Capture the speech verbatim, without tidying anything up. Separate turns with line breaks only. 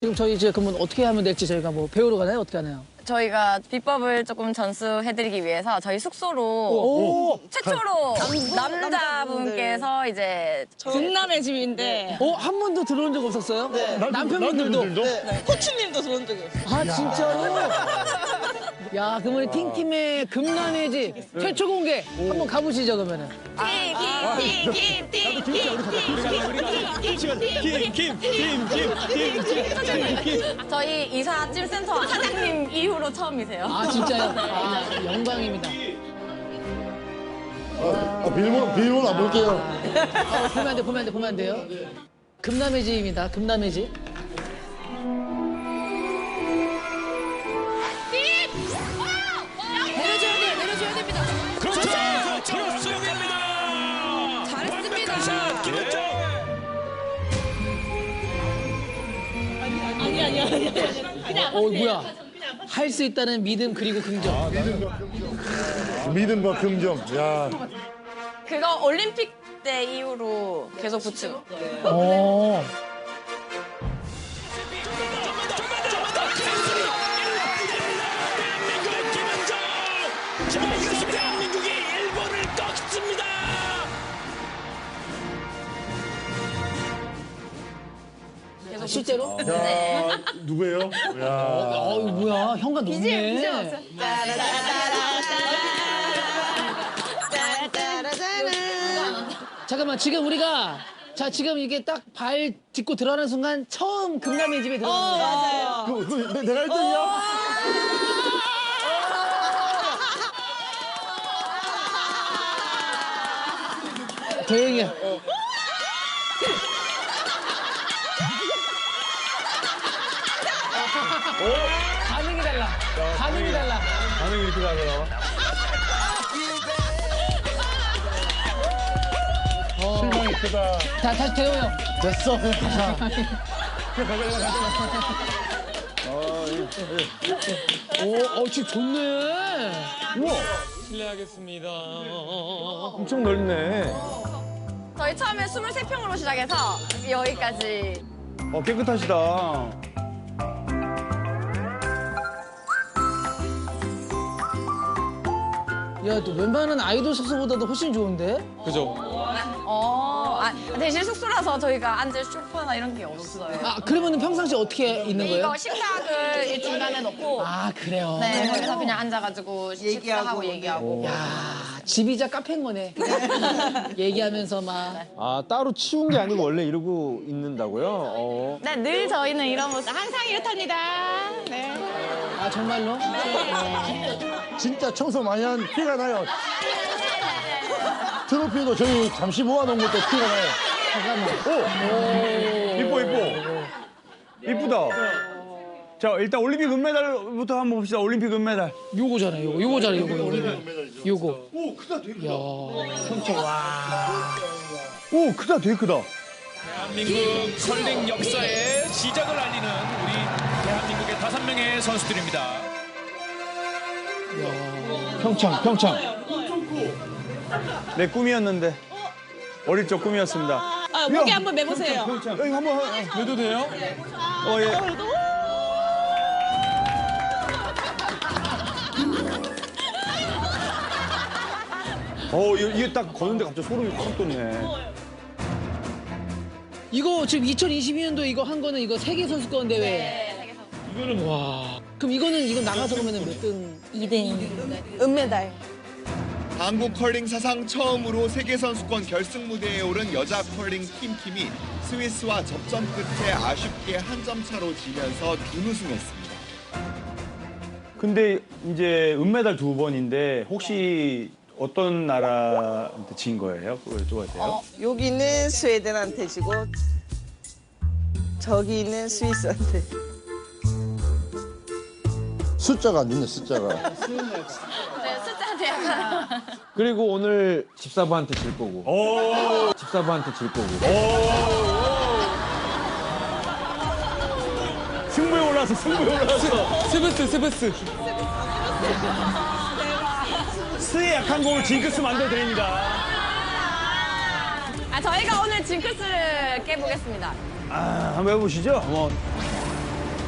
지금 저희 이제 그러면 어떻게 하면 될지 저희가 뭐 배우러 가나요? 어떻게 하나요?
저희가 비법을 조금 전수해드리기 위해서 저희 숙소로
오!
최초로 남자분께서 이제
국남의 집인데
어? 한 번도 들어온 적 없었어요? 네. 남편분들도?
네. 코치님도 들어온 적이 없어요.
아, 진짜로? 야, 그러면 팀팀의 금남의 집 최초 공개 한번 가보시죠, 그러면은.
저희 이사 찜센터 사장님 이후로 처음이세요.
아, 진짜요? 아, 영광입니다.
아, 비밀번호, 비밀번호 안 볼게요.
아, 보면 안 돼, 보면 안 돼, 보면 안 돼요. 금남의 집입니다, 금남의 집.
내려줘야 돼요. 내려줘야 됩니다.
그렇죠. 그렇죠. 됩니다.
잘했습니다.
샷 김은정.
아니 아니 아니 아니. 그냥
어, 뭐야. 할 수 있다는 믿음 그리고 긍정.
믿음과 긍정. 야,
그거 올림픽 때 이후로 계속 붙이고.
어.
대한민국의 김은정. 자, 이것이 대한민국이 일본을 꺾습니다.
계속
실제로?
야, 누구예요? 야,
어, 이거 뭐야. 현관 높네. 잠깐만, 지금 우리가 자, 지금 이게 딱 발 딛고 들어가는 순간 처음 금남의 집에 들어가는 거야.
그, 그, 내, 내가 일 등이야?
조용히 해. 반응이 달라. 반응이 달라.
반응이 이렇게 나더라. 실망이 크다.
자, 다시 대호 형.
됐어. 자,
오, 어, 지금 좋네.
실례하겠습니다.
엄청 넓네.
저희 처음에 스물세 평으로 시작해서 여기까지.
어, 깨끗하시다.
야, 또 웬만한 아이돌 숙소보다도 훨씬 좋은데?
그죠?
어, 아, 대신 숙소라서 저희가 앉을 소파나 이런 게 없어요.
아, 그러면은 평상시 어떻게 있는 거예요?
이거 식탁을 이 중간에 놓고
아, 그래요?
네, 거기서 그냥 앉아가지고 식사하고 얘기하고.
야, 집이자 카페인 거네. 얘기하면서 막.
아, 따로 치운 게 아니고 원래 이러고 있는다고요? 어.
네, 늘 저희는 이런 모습.
항상 이렇답니다. 네.
아, 정말로?
진짜 청소 많이 한 피가 나요. 트로피도 저희 잠시 모아놓은 것도 피가 나요.
잠깐만.
이뻐, 이뻐. 이쁘다. 자, 일단 올림픽 은메달부터 한번 봅시다. 올림픽 은메달.
요거잖아요, 요거. 요거잖아요, 요거. 요거. 요거. 오, 크다, 되게. 야, 엄청, 와.
오, 크다, 되게 크다.
대한민국 컬링 역사의 시작을 알리는 우리 대한민국의 다섯 명의 선수들입니다.
평창, 평창. 내 꿈이었는데. 어릴 적 꿈이었습니다.
아, 목에 한번 매보세요.
평창. 여기 한번
해도 돼요?
어, 예. 어, 이거- 이게 딱 거는데 갑자기 소름이 확 돋네.
이거 지금 이천이십이 년도 이거 한 거는 이거 세계선수권 대회.
네, 세계선.
이거는, 와. 그럼 이거는, 이거 나가서 그러면 몇 등?
이 등.
은메달.
한국 컬링 사상 처음으로 세계선수권 결승 무대에 오른 여자 컬링 팀팀이 스위스와 접전 끝에 아쉽게 한 점 차로 지면서 준우승했습니다.
근데 이제 은메달 두 번인데 혹시 어떤 나라한테 진 거예요? 그걸 여쭤봐도 돼요?
어,
여기는 스웨덴한테 지고 저기 있는 스위스한테.
숫자가 안 좋네, 숫자가.
네, 숫자한테 약간.
그리고 오늘 집사부한테 질 거고. 집사부한테 질 거고. 승부에 올라서 승부에 올라서.
스브스, 스브스.
스에 약한 곡을 징크스 만들어 드립니다.
아, 저희가 오늘 징크스를 깨보겠습니다.
아, 한번 해보시죠. 뭐